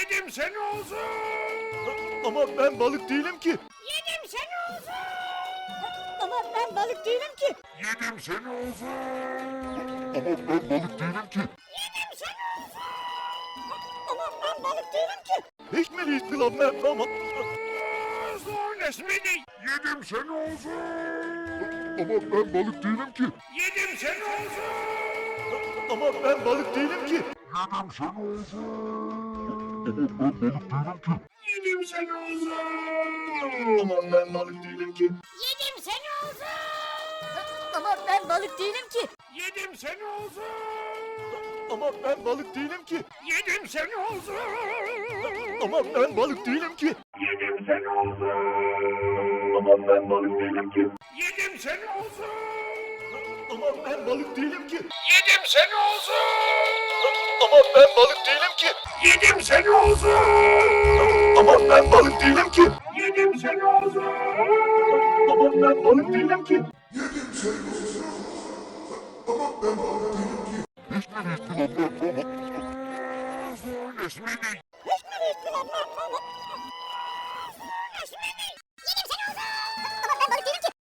Yedim seni olsun. Ama ben balık değilim ki. Yedim seni olsun. Ama ben balık değilim ki. Yedim seni olsun. Ama ben balık değilim ki. Yedim seni olsun. Ama ben balık değilim ki. Hiç mi değilsin lan ben ama... Son esmini. Yedim seni olsun. Ama ben balık değilim ki. Yedim seni olsun. Ama ben balık değilim ki. Yedim seni olsun. Yedim seni olsun. Ama ben balık değilim ki. Yedim seni olsun. Ama ben balık değilim ki. Yedim seni olsun. Ama ben balık değilim ki. Yedim seni olsun. Ama ben balık değilim ki. Yedim seni olsun. Ama ben balık değilim ki. Yedim seni olsun. Ama ben balık değilim ki. Yedim seni olsun. Ama ben balık değilim ki. Yedim seni olsun. Ama ben balık değilim ki. Yedim seni olsun. Ama ben balık değilim ki. Son esmini.